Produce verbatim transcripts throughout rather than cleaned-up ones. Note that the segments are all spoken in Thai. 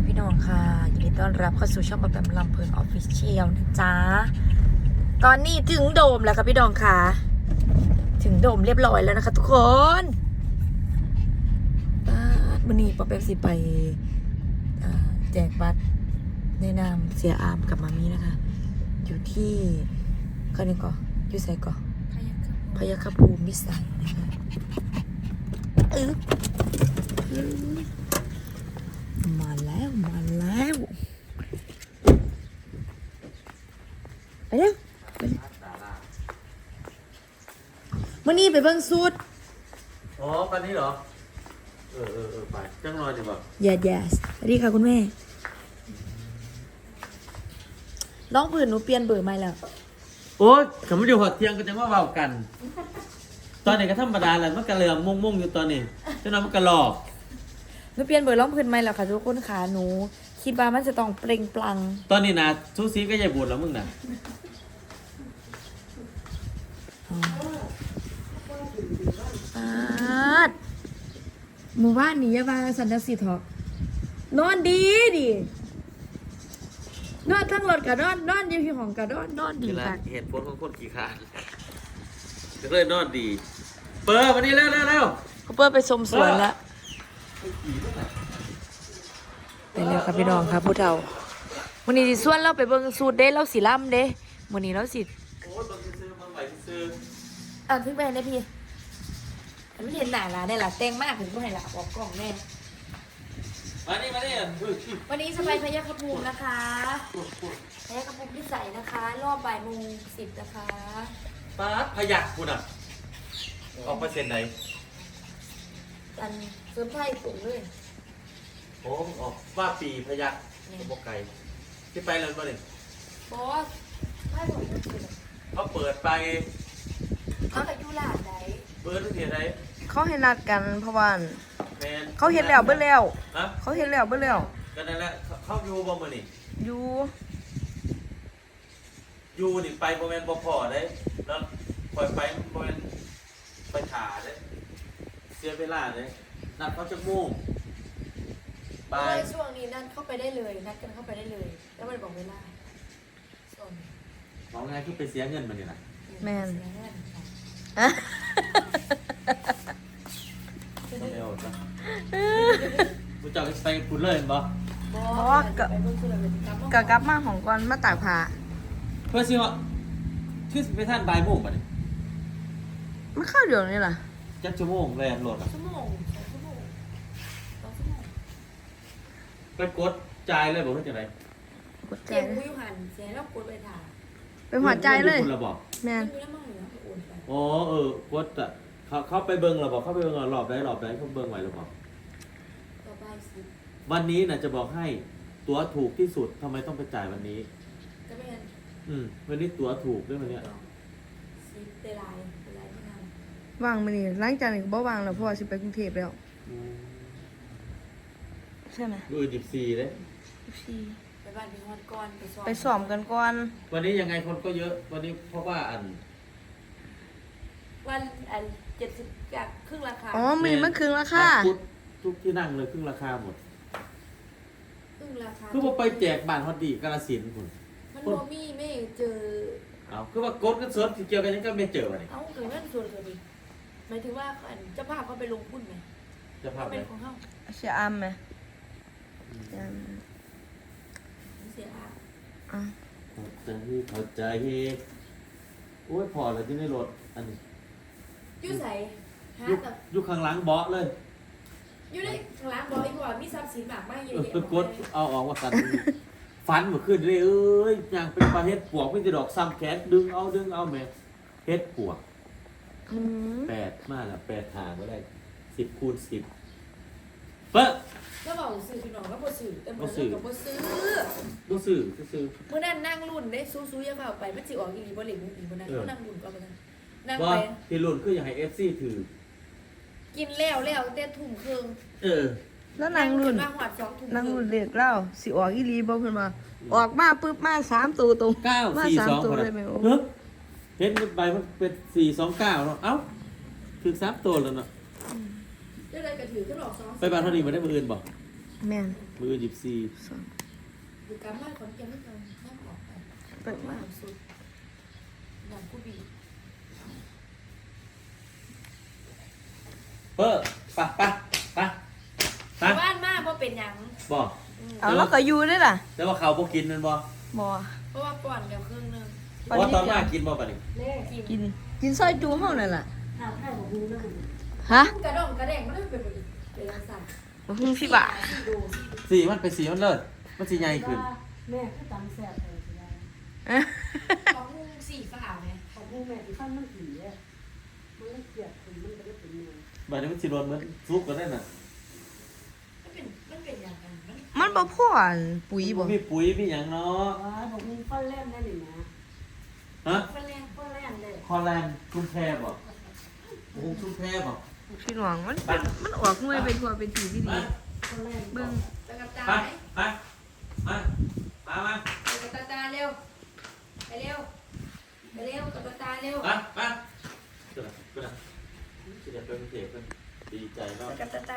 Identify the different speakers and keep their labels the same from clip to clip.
Speaker 1: พี่น้องค่ะยินดีต้อนรับเข้าสู่ช่องปะแปมลำเพลินออฟฟิเชียลนะจ๊ะตอนนี้ถึงโดมแล้วค่ะพี่น้องค่ะถึงโดมเรียบร้อยแล้วนะคะทุกคนวันนี้ปะแปมสิไปแจกบัตรในนามเสียอามกับมามีนะคะอยู่ที่ก็นี่ก่อนอยู่ไสก่อนพยัคฆภูมิวิสัยนะคะเออมาแล้วมาแล้วไปเร็วไปเร็วมื่อนี้ไปเบิ่งสูตร
Speaker 2: อ๋อปันนี้เหรอเออเออเออไปจังรอยดีกว่า
Speaker 1: yes yes สวัสดีค่ะคุณแม่น้องผืนหนูเปลี่ยนเบอร์ใหม่แล้ว
Speaker 2: โอ๊ยเขาไม่อยู่หอดเที่ยงก็จะมาเบากัน ตอนนี้ก็ธรรมดาแหละมันกระเลือมมุ่งมุ่งอยู่ตอนนี้เจ้าน้องมันกระหลอก
Speaker 1: หนูเปลี่ยนเบอร์ร้องพื้นใหม่แล้วค่ะทุกคนค่ะหนูคิดว่ามันจะต้องเปล่งปลั่ง
Speaker 2: ตอนนี้นะทุกซีก็ใหญ่บุญแล้วมึงนะ
Speaker 1: อาดหมู่บ้านนี้ยาบาสันตสิทธิ์หอกนอนดีดินอนทั้งรถกับนอนนอนอยู่ที่ห้องกับนอนนอนดีค่ะ
Speaker 2: เหตุผลของคนขี้ขาดก็เลยนอนดีเปิดวันนี้แล้วแล้วแล้ว
Speaker 1: เขาเปิดไปชมสวนแล้วไปเร็วครับพี่น้องครับผู้เฒ่าวันนี้สิส่วนเราไปเบิ่งสูตรเด้เราสิล่ำเด้วันนี้เราสิ
Speaker 2: โอ้ยต้องซื้อมาใหม่ซื้อ
Speaker 1: อ่านถึงไปได้พี่ไม่เห็นหน้าละได้ละแต่งมากถึงผู้ให้ละออกกล้องแน่
Speaker 2: มานี่มานี่
Speaker 1: วันนี้สบายพยัคฆภูมินะคะพยัคฆภูมิพิสัยนะคะ รอบบ่ายโมงสิบนะคะ
Speaker 2: ป้าพยักคุณอ่ะออกเปอร์เซ็นต์ไหน
Speaker 1: กันเสริมไพ่สูงเลย
Speaker 2: โอ้ออกว่าปีพยักบกไก่ที่ไปเลยมาหนึ่ง
Speaker 1: บอสไพ่สูง
Speaker 2: เขาเปิดไป
Speaker 1: เขาไปยูลาดไหน
Speaker 2: เปิดทุกทีไหน
Speaker 1: เขาให้นัดกันเพราะว่าเขาเห็นแล้วเบิ้ลแล้วเขาเห็นแล้วเบิ้ลแล้ว
Speaker 2: ก็นั่นแหละเขาอยู่บ่มาหนิ
Speaker 1: ยู
Speaker 2: ยูนี่ไปโมเมนต์บ่พอได้แล้วปล่อยไปโมเมนต์ไปขาได้เสียเวลาเลยนัดเขาจะมุ่ง
Speaker 1: ไปช่วงนี้นัดเข้าไปได้เลยนัดกันเข้าไปได้เลยแล้วมันบอกเวลา
Speaker 2: บอกไงคือไปเสียเงินมันนี่นะ
Speaker 1: แมน
Speaker 2: ไม่เอาจ้ะกูจะไปพูดเลยบ่
Speaker 1: เพราะว่ากะกลับมาของก่อนมาตากผ้า
Speaker 2: เพื่อสิว่าที่ไปท่านบ่ายโมงป่ะนี่
Speaker 1: มันเข้าเดี๋ยวนี้ล่ะ
Speaker 2: จักชั่วโมงแรงโหลดอ่ะ
Speaker 1: ชั่วโมงสองชั่วโมงสองชั่วโมง
Speaker 2: ไปกดจ่ายเลยบอกว่าจะไร
Speaker 1: กดจ่ายเลยหันเสียแล้วกดไปถ่ายไปหัวใจเลยแม่
Speaker 2: อ๋อเออกดอ่ะเขาเข้าไปเบิ้งเราบอกเข้าไปเบิ้งเราหลอบได้หลอบได้เขาเบิ้งไหวหรือเปล่าวันนี้นะจะบอกให้ตั๋วถูกที่สุดทำไมต้องไปจ่ายวันนี้อืมวันนี้ตั๋วถูกด้วยมันเนี้ย
Speaker 1: ว่างมันนี่หลังจากนี้ก็บ่ว่างแล้วเพราะว่าสิไปกรุงเทพแล้วใช่ไหม
Speaker 2: ดูดิบซีเลย
Speaker 1: ดิบซีไปบ้านพี่ฮอดก่อนไปซ้อมไปซ้อมกันก่อน
Speaker 2: วันนี้ยังไงคนก็เยอะวันนี้เพราะว่าอัน
Speaker 1: วันอันเจ็ดสิบจากครึ่งราคาอ๋อมีมันครึ่งราคา
Speaker 2: ทุกที่นั่งเลยครึ่งราคาหมด
Speaker 1: ครึ่งราคา
Speaker 2: คือพอไปแจกบ้านฮอดดีกาฬสินธุ์คุณ
Speaker 1: มันโมมี่ไม่เจอ
Speaker 2: เอาคือว่ากดกันสดที่เกี่ยวกันยังก็ไม่เจอเลย
Speaker 1: เอาเกิดเรื่องส่วนเกิดดิหมายถึงว่าเจ้าภาพเขาไปลงหุ้นไหม
Speaker 2: เจ้าภาพ
Speaker 1: เป็นของเขาเสียอัมไหมเสียอัมอ่ะ
Speaker 2: เข้าใจเข้าใจโอ้ยพอแล้วที่ในรถอันนี้
Speaker 1: ยูใส่
Speaker 2: ยุคข้างหลังเบาะเลย
Speaker 1: ยูได้ข้างหลังเบาะอีกว่ามีทรัพย์สินมากมากเยอะแยะ
Speaker 2: ไปกดเอาออกว่ากันฟันมาขึ้นเลยเอ้ยอย่างเป็นปลาเฮ็ดปวกไม่จะดอกซ้ำแขนดึงเอาดึงเอาแม่เฮ็ดปวกแปดมากอะแปดหาก็ได้สิบคูณสิบเป๊ะ
Speaker 1: แล้วบอกสื่อพี่น้องก็บ่สื่อแต่บ่สื่อบ่ซื้อ
Speaker 2: บ่สื่อก็ซื้อ
Speaker 1: เมื่อนั้นนั่งรุ่นได้ซู้ๆยังเข้าไปมันสิออกอีหลีบ่เหล็กอีบ่นั่นเขานั่งรุ่นก็บ่นั่น
Speaker 2: นั่งไปที่รุ่นคืออยากให้ เอฟ ซี ถือ
Speaker 1: กินแล้วแล้วแต่ทุ่มครึ่ง
Speaker 2: เออ
Speaker 1: แล้วนั่งรุ่นนั่งรุ่นเด็กเล่าสิออกอีหลีบ่เพิ่นว่าออกมาปึ๊บมาสามตัวตรง
Speaker 2: เก้าสี่สองตัวเลยมั้ยโอ้เห็นใบมันเป็นสี่สองเก้าเนาะเอ้าถึงสามตัวแล้วเนาะ
Speaker 1: ได้เลยก็ถือขึ้นออกสอง
Speaker 2: ไปบ้านเท่านี้บ่ได้มื้ออื่นบ่
Speaker 1: แม่น
Speaker 2: มือหยิบซี
Speaker 1: สอง
Speaker 3: อยู่กลางบ้านคนเก็บไม่เกินนั่งออกไป
Speaker 1: เปิดมา
Speaker 3: สุดอย่างกูบี
Speaker 2: เออปะปะปะปะ
Speaker 3: บ้านมากเพราะเป็นหยัง
Speaker 2: บอก
Speaker 1: เอาแล้วก็อยู่ด้วยล่ะ
Speaker 2: แต่ว่าเขาพวกกินนั่นบ่
Speaker 1: บ่
Speaker 3: เพราะว่าป่อนเดี๋ยวครึ่งนึง
Speaker 2: ว่าตอนมากินบ่ปะนี่
Speaker 3: กิน
Speaker 1: กินกินซอยจูเฮานั่นล่ะ
Speaker 4: ข้าวไข่บอกหูนั่น
Speaker 1: ฮะ
Speaker 3: กระดองกระแดงมันเป็นแบบเป็นสั่น
Speaker 1: บ่ฮู้พี่บ่า
Speaker 3: ดู
Speaker 2: สีมันเป็นสีมันเลิศมันสีใหญ่ขึ้น
Speaker 4: แม่ก็ตำแซ่บเลยสิได้
Speaker 3: ของสีฟ้าไหม
Speaker 4: ขอบคุณแม่ที่ฟันมันผีอ่ะมันเลยเกลียดคุณมันก็ได้เป็นเมือง
Speaker 2: แบบนี้มันสีโดนเหมือนซุปกันได้น่ะ
Speaker 3: มันเป็นมันเป็นอย่างนั้นมัน
Speaker 1: มันบ่พออันปุ๋ยบ่
Speaker 2: มีปุ๋ยมีหยังเนาะ
Speaker 4: ว้าบอกมึงฟันแล่นได้หรือนะ
Speaker 2: ฮะ
Speaker 3: มันแรง
Speaker 4: ฟันแล่นเลย
Speaker 2: คอแลนด์ชุมแพบ่โอ้ชุมแพบ่
Speaker 1: พี่น้องมันเป็นมันออกหน่วยเป็นทั่วเป็นทีที่ดี
Speaker 4: ฟันแล่น
Speaker 1: เบิ่ง
Speaker 3: ตะกับตา
Speaker 2: ไป
Speaker 3: ไหม
Speaker 2: ไปมามามา
Speaker 3: ตะกับตาเร็วไปเร็วไปเร็วตะกับตาเร็ว
Speaker 2: มามาเกิดเกิดสิเดี๋ยวเป็นเด็กเป็นดีใจเนาะ
Speaker 3: ตะกับตา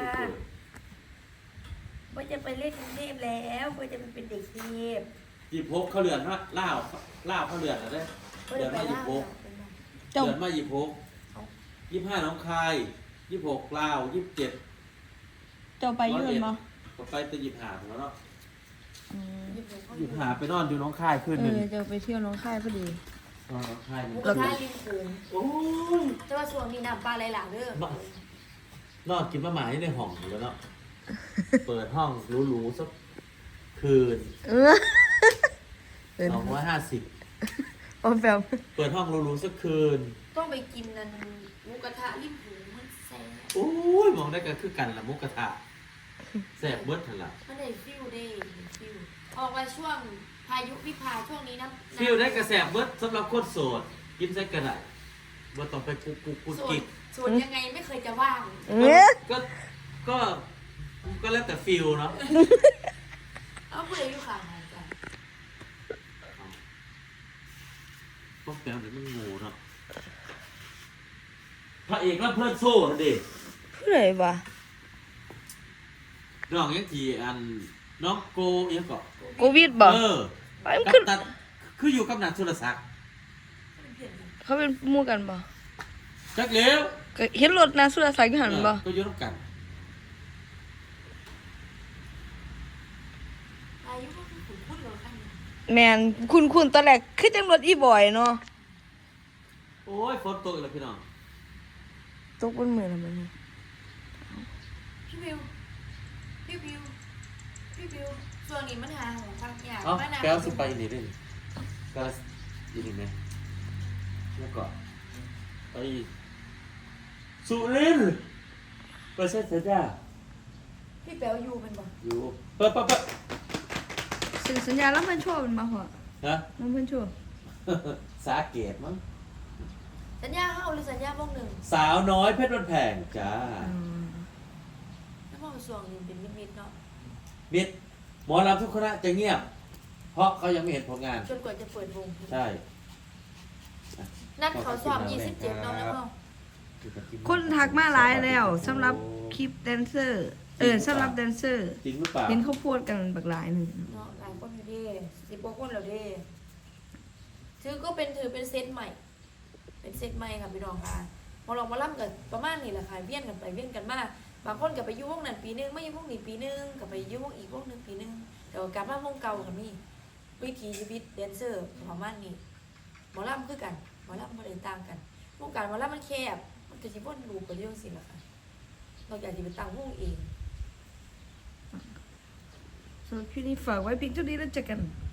Speaker 3: ว่าจะไปเล่นกรุงเทพแล้วว่าจะไปเป็นเด็กเทพ
Speaker 2: หยิบพกเขาเรือนฮะล่าวล่าวเขาเรือนอะไร
Speaker 3: ว่า
Speaker 2: เรื
Speaker 3: จะ
Speaker 2: อน
Speaker 3: ไป
Speaker 2: มาหยิบ
Speaker 3: ล่า
Speaker 2: พก
Speaker 1: เจ้า
Speaker 2: เดือนมายี่หกยี่ห้าน้องคายยี่หกลาวยี่สิบเจ็ด
Speaker 1: เจ้าไปอยู่นั่นบ่
Speaker 2: ก็ไปแต่ยี่ห้าของแล้วเนาะ
Speaker 1: อืม
Speaker 2: ยี่ห้าไปนอนอยู่น้องคายคืน
Speaker 1: เอ
Speaker 2: หนึ่ง
Speaker 1: อเจ้าไปเที่ยวหน้องค่ายพอดี
Speaker 2: นอนน้องคายหนึ่
Speaker 3: หมู
Speaker 2: ง
Speaker 3: กระทะริมโขง
Speaker 2: โอ้ย
Speaker 3: แต่ว่าช่วงนี้น้ำปลาไหลหลากเด้อน
Speaker 2: อนกินมะหมาที่ในห้องอยู่แล้วเนาะ เปิดห้องหรูๆสักคืน
Speaker 1: เออเออ
Speaker 2: สองร้อยห้าสิบ
Speaker 1: โอ้แบบ
Speaker 2: เปิดห้องหรูๆสักคืน
Speaker 3: ต้องไปกินนั่นหมูกระทะริมโขงมันแซ่บ
Speaker 2: โอ้ยมองได้กันคือกันละมุกกระทะแสบเบิดทันละ
Speaker 3: มันได้ฟิลได้ฟิลออกมาช่วงพายุวิภาช่วงนี้นะ
Speaker 2: ฟิลได้กระแสบเบิดสำหรับคนโสด กินใส่กระไรว่าต้องไปกุกกุกกุก
Speaker 3: ส่วน
Speaker 2: กิก
Speaker 3: ส่วนยังไงไม่เคยจะว่าง
Speaker 1: เออ
Speaker 2: ก็ก็ ก็แล้วแต่ฟิลเนาะ
Speaker 3: เอาเพื่ออยู่ข้างไหนกัน
Speaker 2: พวกแปลวเดี๋ยวมันงูเนาะพระเอกรับเพื่อนโซ่ดิ
Speaker 1: ผู้ใดวะ
Speaker 2: น้องยังทีอันน้องโกยังเกาะ
Speaker 1: โควิดบ่
Speaker 2: เออ
Speaker 1: ไปมัน
Speaker 2: กั
Speaker 1: ขึ้
Speaker 2: บ
Speaker 1: น
Speaker 2: ตัดคืออยู่กับนันสุรศักดิ์
Speaker 1: เขาเป็นหมู่กันบ่
Speaker 2: จักเลี้ยว
Speaker 1: ก็เห็นรถนะสุรศักดิ์อยู่หั่นบ่
Speaker 2: ก็อยุ่ร่วมกัน
Speaker 3: อายุก็คือขุนพูดเราขั้นนี้
Speaker 1: แม่นคุณๆตอนแรกคือจังรถอีบอยเนาะ
Speaker 2: โอ้ยฝนตกอีกแล้วพี่น้อง
Speaker 1: ตกบนมือแล้วมันนี่
Speaker 3: พี่บิวพี่บิวพี่บิวส่วนนี้มันหาของทางยาก
Speaker 2: เอ้า
Speaker 3: มานา
Speaker 2: แก้วสิไปนี่ได้นี่ก็ยินไหมแล้วก็ไปสุรินทร์ไปเซ็นเสร็จจ้า
Speaker 3: พี่แป๋วอยู่เป็นบ่
Speaker 2: อยู่เปิดเปิดเปิด
Speaker 1: สึกสัญญาแล้วมันโชว์มันมาหัว
Speaker 2: ฮะ
Speaker 1: แล้วมันโชว์
Speaker 2: สาเกตมั้ง
Speaker 3: สัญญาเข้าหรือสัญญาโมงหนึ่ง
Speaker 2: สาวน้อยเพชรวันแพงจ้า
Speaker 1: อืม
Speaker 3: แล้วโมงส่วงนี้เป็นมิดๆเนาะ
Speaker 2: มิดหมอลำทุกคณะจะเงียบ เพราะเขายังไม่เห็นผลงาน
Speaker 3: จนกว่าจะเปิดวง
Speaker 2: ใช่
Speaker 3: นัดเขาสอบยี่สิบเจ็ดเนาะแล้วเนาะ
Speaker 1: คนทักมาหลายแล้วสำหรับคลิปแดนเซอร์ เออสำหรับแดนเซอร์
Speaker 2: จริงหรือเปล่า
Speaker 1: เห็นเขาโพูดกันบักหลายหนึ่ง
Speaker 3: เนาะหลายคนอยู่เด้สิบกว่าคนแล้วเด้ถือก็เป็นถือเป็นเซตใหม่ เป็นเซตใหม่ค่ะพี่น้องค่ะมาลองมาล่ำกันประมาณนี้แหละค่ะเวียนกันไปเวียนกันมาบางคนกับไปอยุ่วงนั้นปีนึงไม่อยุ่วงนี้ปีนึงกับไปอยุ่วงอีกวงหนึงปีนึงแต่ว่ากลับมาวงเก่ากับนี่วิถีชีวิตแดนเซอร์ประมาณนี้หมอลำคือกันหมอลำมาเดินต่างกันวงการหมอลำมันแคบมันก็จะวนลูปไปเรื่องสิล่ะค่ะนอกจากจะไปตั้งวงเอง
Speaker 1: สำหรับคลิปนี้ฝากไว้เพียงเท่านี้แล้วเจอกัน